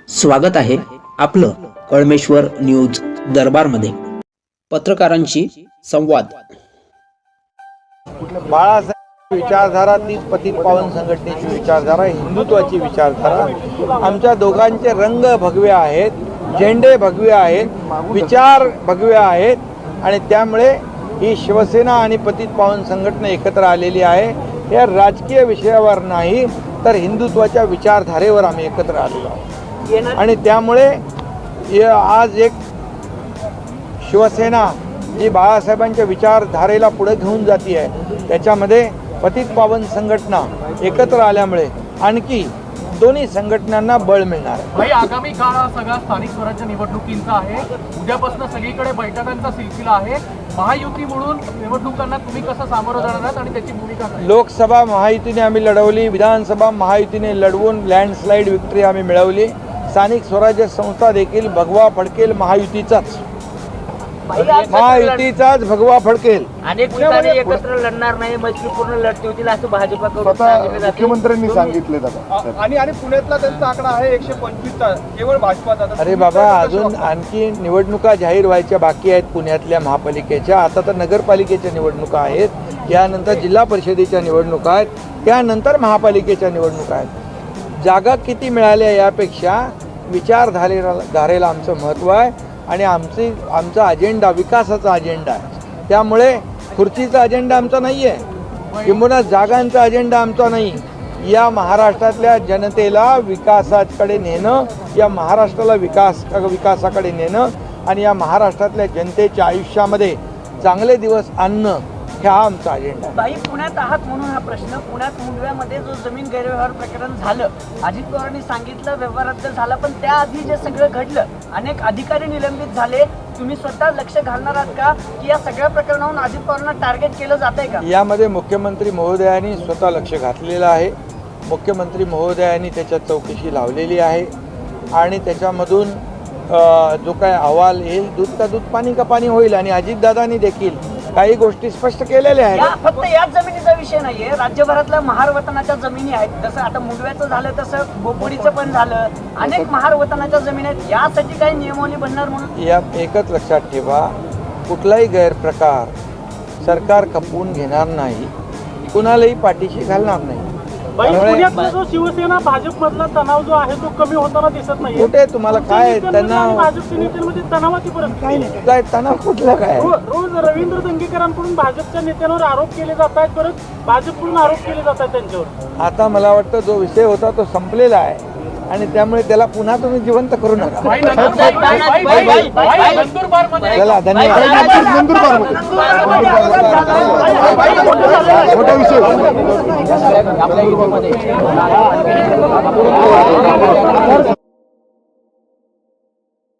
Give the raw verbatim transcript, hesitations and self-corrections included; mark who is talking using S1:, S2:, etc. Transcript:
S1: स्वागत आहे आपलं कळमेश्वर न्यूज दरबारमध्ये। पत्रकारांशी संवाद।
S2: बाळासाहेब विचारधारा तीच पतित पावन संघटनेची विचारधारा, हिंदुत्वाची विचारधारा। आमच्या दोघांचे रंग भगवे आहेत, झेंडे भगवे आहेत, विचार भगवे आहेत आणि त्यामुळे ही शिवसेना आणि पतित पावन संघटना एकत्र आलेली आहे। या राजकीय विषयावर नाही तर हिंदुत्वाच्या विचारधारेवर आम्ही एकत्र आलेलो आहोत आणि त्यामुळे आज एक शिवसेना जी बाळासाहेबांच्या विचारधारेला पुढे घेऊन जाती आहे, त्याच्यामध्ये पतित पावन संघटना एकत्र आल्यामुळे आणखी दोन्ही संघटनांना बळ मिळणार आहे।
S3: भाई, आगामी काळ हा सगळा स्थानिक स्वराज्य निवडणुकींचा आहे। उद्यापासून सगळीकडे बैठकांचा सिलसिला आहे। महायुती म्हणून निवडणुकांना तुम्ही कसं सामोरं जाणार आहात आणि त्याची भूमिका काय?
S2: लोकसभा महायुतीने आम्ही लढवली, विधानसभा महायुतीने लढवून लँडस्लाईड विक्ट्री आम्ही मिळवली। स्थानिक स्वराज्य संस्था देखील भगवा फडकेल महायुतीचाच, महायुतीचाच भगवा फडकेल।
S4: अनेक ठिकाणी एकत्र लढणार नाही, मैत्रीपूर्ण लढती होतील असं भाजपकडून
S5: मुख्यमंत्र्यांनी सांगितले
S3: आणि आणि पुण्यातला त्यांचा आकडा आहे एकशे पंचवीस केवळ भाजपाचा।
S2: अरे बाबा, अजून आणखी निवडणुका जाहीर व्हायच्या बाकी आहेत पुण्यातल्या महापालिकेच्या। आता तर नगरपालिकेच्या निवडणुका आहेत, त्यानंतर जिल्हा परिषदेच्या निवडणुका आहेत, त्यानंतर महापालिकेच्या निवडणुका आहेत। जागा किती मिळाल्या यापेक्षा विचारधारेला धारेला आमचं महत्त्व आहे आणि आमची आमचा अजेंडा विकासाचा अजेंडा आहे। त्यामुळे खुर्चीचा अजेंडा आमचा नाही आहे, किंबहुना जागांचा अजेंडा आमचा नाही। या महाराष्ट्रातल्या जनतेला विकासाकडे नेणं, या महाराष्ट्राला विकास विकासाकडे नेणं आणि या महाराष्ट्रातल्या जनतेच्या आयुष्यामध्ये चांगले दिवस आणणं, हा आमचा अजेंडा आहे।
S4: बाई, पुण्यात आहात म्हणून हा प्रश्न। पुण्यात मुंडव्यामध्ये जो जमीन गैरव्यवहार प्रकरण झालं, अजित पवारांनी सांगितलं व्यवहार रद्द झाला, पण त्याआधी जे सगळं घडलं, अनेक अधिकारी निलंबित झाले, तुम्ही स्वतः लक्ष घालणार आहात का की या सगळ्या प्रकरणावरून अजित पवारांना टार्गेट केलं जात आहे का?
S2: यामध्ये मुख्यमंत्री महोदयांनी स्वतः लक्ष घातलेलं आहे। मुख्यमंत्री महोदयांनी त्याच्यात चौकशी लावलेली आहे आणि त्याच्यामधून जो काय अहवाल येईल, दूध का दूध पाणी का पाणी होईल। आणि अजितदादांनी देखील काही गोष्टी स्पष्ट केलेल्या आहेत।
S4: फक्त याच जमिनीचा विषय नाहीये, राज्यभरातल्या महार वतनाच्या जमिनी आहेत। जसं आता मुंडव्याचं झालं तसं बोपोडीचं पण झालं, अनेक महार वतनाच्या जमिनी आहेत। यासाठी काही नियमावली बनणार म्हणून
S2: या एकच लक्षात ठेवा, कुठलाही गैरप्रकार सरकार खपवून घेणार नाही, कुणालाही पाठीशी घालणार नाही।
S3: पुण्यातला जो शिवसेना भाजप मधला तणाव जो आहे तो कमी होताना दिसत नाही।
S2: कुठे तुम्हाला काय तणाव?
S3: भाजपच्या नेत्यांमध्ये तणावाची परिस्थिती
S2: काय नाही, काय तणाव कुठला काय?
S3: रोज रवींद्र दंगेकरांकडून भाजपच्या नेत्यांवर आरोप केले जात आहेत, परत भाजपकडून आरोप केले जात आहेत त्यांच्यावर।
S2: आता मला वाटतं जो विषय होता तो संपलेला आहे आणि त्यामुळे त्याला पुन्हा तुम्ही जिवंत करू नका। चला, धन्यवाद।
S5: मोठा विषय